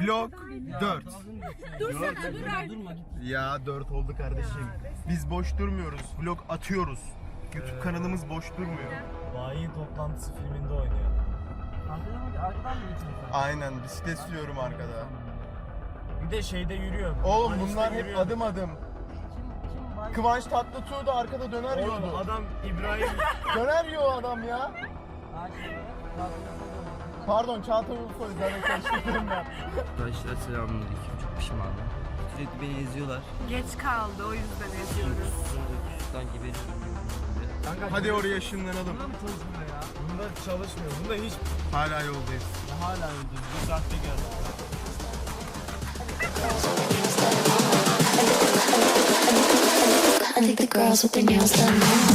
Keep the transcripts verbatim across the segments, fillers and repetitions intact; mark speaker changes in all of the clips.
Speaker 1: Vlog dört.
Speaker 2: Dursana dur artık.
Speaker 1: Ya dört oldu kardeşim. Biz boş durmuyoruz. Vlog atıyoruz. YouTube kanalımız boş durmuyor.
Speaker 3: Bayi toplantısı filminde oynuyor. Arkadan, arkadan mı geçiyorsun?
Speaker 1: Aynen, bisiklet sürüyorum arkada.
Speaker 3: Bir de şeyde yürüyor.
Speaker 1: Oğlum
Speaker 3: Manişte
Speaker 1: bunlar hep
Speaker 3: yürüyor.
Speaker 1: adım adım. Kıvanç Tatlıtuğ da arkada döner
Speaker 3: Oğlum
Speaker 1: yiyordu.
Speaker 3: adam İbrahim.
Speaker 1: Döner yiyor adam ya. Pardon, Çağatay Ulusoy, zaten karıştırdım ben.
Speaker 4: Arkadaşlar selamünaleyküm. Çok pişmanım. Sürekli beni eziyorlar.
Speaker 2: Geç kaldı o yüzden eziyoruz.
Speaker 4: Şuradan geberiyorum.
Speaker 1: Hadi oraya ışınlanalım.
Speaker 3: Bunda mı çalışmıyor ya? Bunda çalışmıyor. Bunda hiç
Speaker 1: Hala yoldayız.
Speaker 3: hala öldü. Bir saatte geldi.
Speaker 5: I think the girls with their nails done now.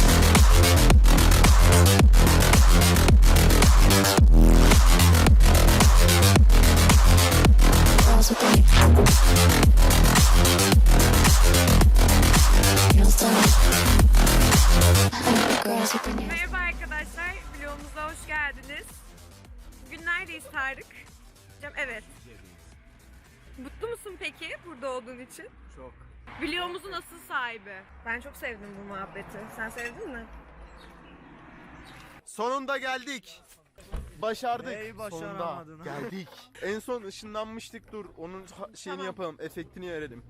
Speaker 5: Girls with their nails done. I think the girls with their nails.
Speaker 2: Merhaba arkadaşlar, vlogumuza hoş geldiniz. Bugün neredeyiz Tarık? Cem, evet. Mutlu musun peki burada olduğun için?
Speaker 1: Çok.
Speaker 2: Vlogumuzun asıl sahibi. Ben çok sevdim bu muhabbeti. Sen sevdin mi?
Speaker 1: Sonunda geldik. Başardık.
Speaker 3: Neyi
Speaker 1: Sonunda
Speaker 3: başaramadın?
Speaker 1: geldik. En son ışınlanmıştık, dur. Onun ha- şeyini
Speaker 2: Tamam.
Speaker 1: yapalım, efektini verelim.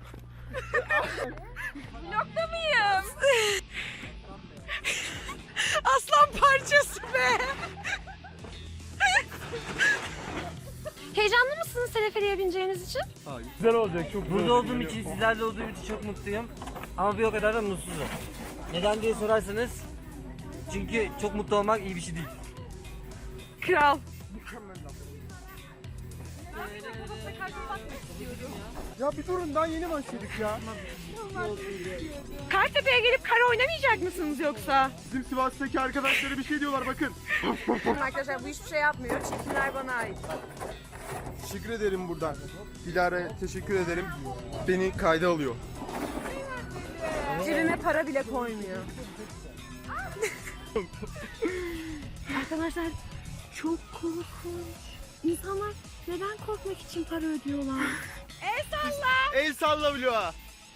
Speaker 2: Vlogda mıyım? Aslan parçası be! Heyecanlı mısınız teleferiye bineceğiniz için?
Speaker 3: Güzel olacak. Çok
Speaker 6: Burada olduğum için, sizlerle olduğum için çok mutluyum. Ama bir o kadar da mutsuzum. Neden diye sorarsanız, çünkü çok mutlu olmak iyi bir şey değil.
Speaker 2: Kral.
Speaker 1: Ya bir durun, daha yeni başladık ya.
Speaker 2: Kartepe'ye gelip kara oynamayacak mısınız yoksa?
Speaker 1: Bizim Sivas'taki arkadaşlara bir şey diyorlar, bakın.
Speaker 2: Arkadaşlar bu hiçbir şey yapmıyor. Çekimler bana ait.
Speaker 1: Teşekkür ederim buradan. Dilara'ya teşekkür ederim. Beni kayda alıyor.
Speaker 2: Cebime para bile koymuyor. Arkadaşlar çok korkunç. İnsanlar neden korkmak için para ödüyorlar? El salla.
Speaker 1: El salla vloğa.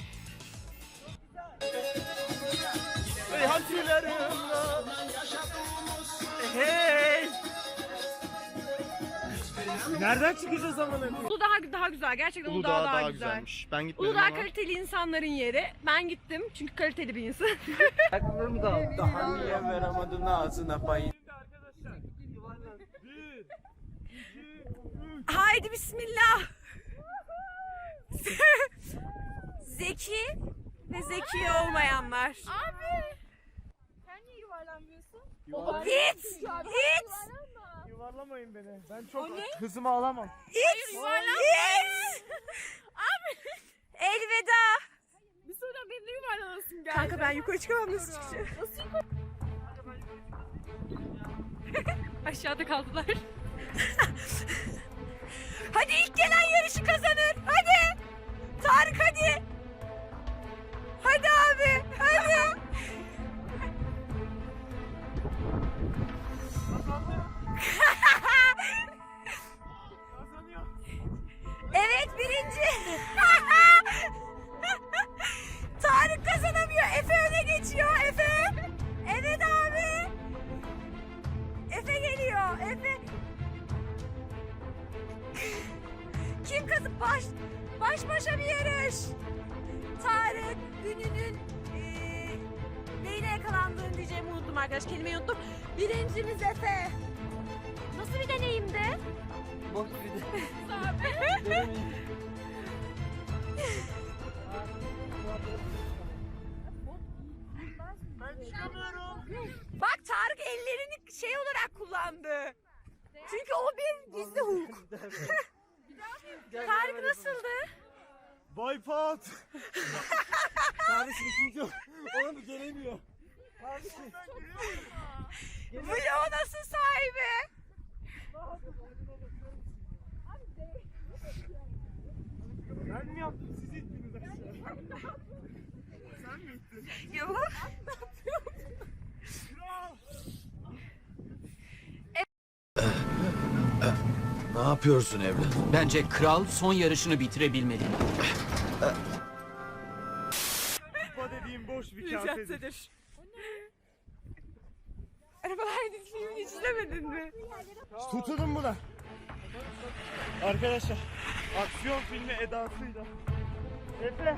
Speaker 1: Hey hatırlarımla.
Speaker 3: Hey! Nereden çıkacağız amına?
Speaker 2: Uludağ daha güzel. Gerçekten Uludağ,
Speaker 1: Uludağ
Speaker 2: daha,
Speaker 1: daha
Speaker 2: güzel.
Speaker 1: güzelmiş. Ben gitmedim
Speaker 2: Uludağ
Speaker 1: ama.
Speaker 2: kaliteli insanların yeri. Ben gittim çünkü kaliteli bir insan.
Speaker 6: Ayakkabılarımı da al.
Speaker 3: Daha niye veremedim ağzına payı?
Speaker 2: Haydi bismillah. Zeki ve zeki olmayanlar. Abi. Sen niye yuvarlanmıyorsun? İt! İt!
Speaker 3: Yuvarlamayın beni. Ben çok hızımı alamam.
Speaker 2: İt! İt! Abi. Elveda. Bir sonra beni yuvarlanasın geldi. Kanka ben yukarı çıkamam, nasıl çıkacağım? Nasıl yukarı? Aşağıda kaldılar. Hadi ilk gelen yarışı kazanır. Hadi. Tarık hadi. Hadi abi. Hadi. Evet, birinci. Tarık kazanamıyor. Efe öne geçiyor. Efe. Evet abi. Efe geliyor. Efe. Kim kazan? Baş, baş başa bir yarış. Tarık ününün eee neyine yakalandığını diyeceğimi unuttum arkadaş. Kelimeyi unuttum. Birincimiz Efe. Nasıl bir deneyimdi?
Speaker 6: Bok bir de.
Speaker 2: Bak Tarık ellerini şey olarak kullandı. Çünkü o bir gizli hukuk. Tarık nasıldı?
Speaker 3: Boypot. Kardeşim ikinci yok. Oğlum gelemiyor.
Speaker 2: Vlog nasıl sahibi?
Speaker 3: Ben mi yaptım? Siz ittiniz aşağı. Sen mi ittin?
Speaker 2: Yok.
Speaker 3: Kral.
Speaker 7: Ne yapıyorsun evladım?
Speaker 5: Bence kral son yarışını bitirebilmeli.
Speaker 3: Kupa dediğim boş bir kasedir.
Speaker 2: Arabalar filmini hiç izlemedin mi?
Speaker 3: Tutunun buna. Arkadaşlar, aksiyon filmi edasıyla. Efe.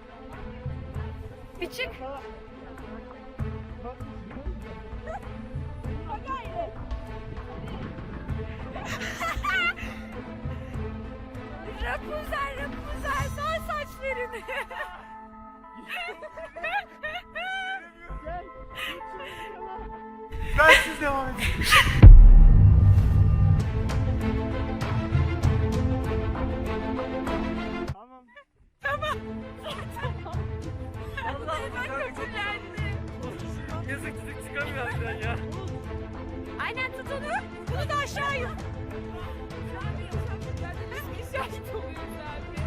Speaker 2: Bir çık. Rapunzel, Rapunzel, sar saçlarını.
Speaker 3: Ben siz devam edin. Tamam.
Speaker 2: Tamam. Tamam. Allah'ım ben kötülendim.
Speaker 6: Yazık çocuk çıkamıyor harbiden ya.
Speaker 2: Aynen tut onu. Bunu da aşağı yut. Biz şahit oluyoruz abi.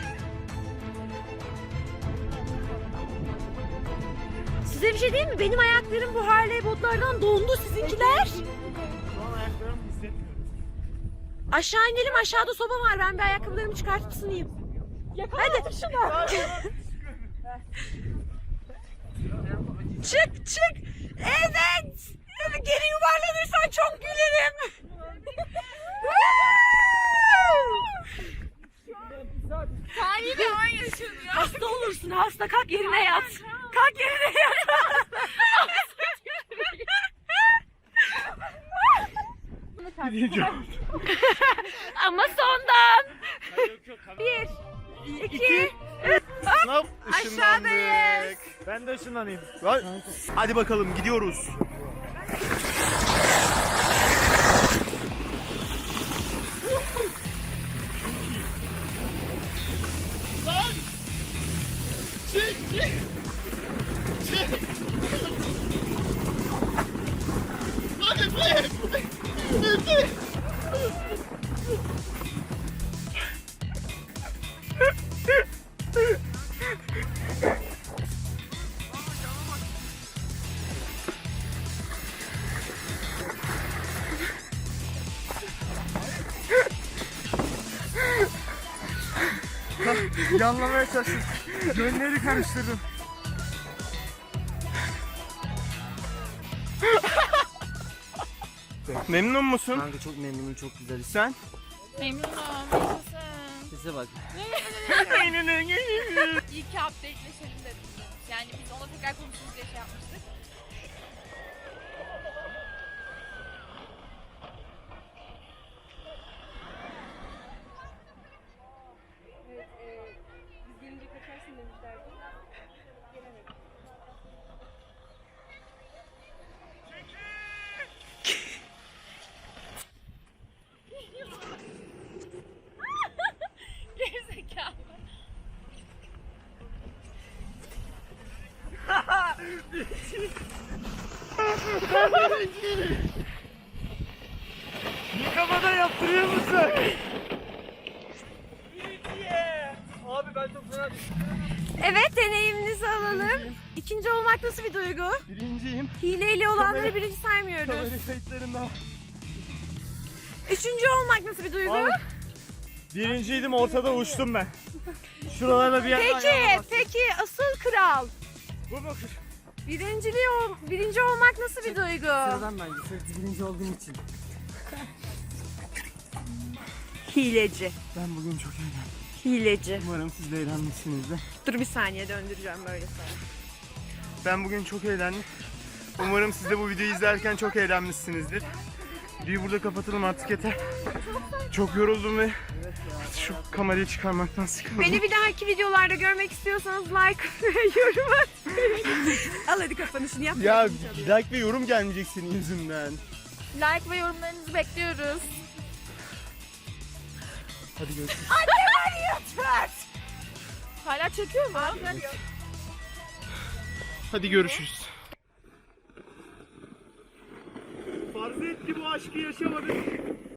Speaker 2: Size bir şey diyeyim mi? Benim ayaklarım bu Harley botlardan dondu, sizinkiler.
Speaker 3: Şu an ayaklarımı hissetmiyorum.
Speaker 2: Aşağı inelim, aşağıda soba var. Ben bir ayakkabılarımı çıkartıp ısınayım. Hadi şuna. Çık çık. Evet. Geri yuvarlanırsan çok gülerim. Tarihi bir an yaşanıyor. Hasta olursun hasta. Kalk yerine yat. Kalk yerine yat. Ama sondan. Bir, iki, üç.
Speaker 1: Hop,
Speaker 2: Aşağıdayız.
Speaker 3: Ben de ışınlanayım.
Speaker 1: Hadi bakalım gidiyoruz.
Speaker 3: Yanlamaya çalıştım. Yönleri karıştırdım.
Speaker 1: Memnun musun?
Speaker 6: Kanka çok memnunum, çok güzel.
Speaker 1: Sen?
Speaker 8: Memnunum. Yaşasın.
Speaker 6: Size bak.
Speaker 8: İyi ki updateleşelim dedim. Yani biz ona tekrar konuşuruz diye şey yapmıştık.
Speaker 2: Biz gelince kaçarsın demişlerdi. Gelemedim.
Speaker 8: Gerizekalı.
Speaker 3: Yıkamada yaptırıyor musun?
Speaker 6: Abi ben çok fena
Speaker 2: Evet, deneyiminizi alalım. İkinci olmak nasıl bir duygu?
Speaker 1: Birinciyim.
Speaker 2: Hileyle olanları
Speaker 1: Kamera-
Speaker 2: birinci saymıyoruz.
Speaker 1: Kamera kayıtlarında.
Speaker 2: Üçüncü olmak nasıl bir duygu?
Speaker 3: Abi, birinciydim, ortada uçtum ben. Şuralarda bir yer
Speaker 2: Peki, peki asıl kral.
Speaker 3: Bu mu?
Speaker 2: Birinciliği ol, birinci olmak nasıl bir duygu?
Speaker 6: sıradan bence. Sırf birinci olduğum için.
Speaker 2: Hileci.
Speaker 1: Ben bugün çok eğlendim.
Speaker 2: Hileci.
Speaker 1: Umarım siz de eğlenmişsinizdir.
Speaker 2: Dur bir saniye döndüreceğim böyle sana.
Speaker 1: Ben bugün çok eğlendim. Umarım siz de bu videoyu izlerken çok eğlenmişsinizdir. Videoyu burada kapatalım artık yeter. Çok yoruldum ve şu kamerayı çıkarmaktan sıkıldım.
Speaker 2: Beni bir dahaki videolarda görmek istiyorsanız like ve yorum atmayın. Al hadi kapanışını yap.
Speaker 1: Ya like ve yorum gelmeyecek senin yüzünden.
Speaker 8: Like ve yorumlarınızı bekliyoruz.
Speaker 1: Hadi görüşürüz.
Speaker 2: Annem arıyor Türt.
Speaker 8: Hala çekiyor mu?
Speaker 1: Hadi görüşürüz.
Speaker 3: Farz et ki bu aşkı yaşamadık.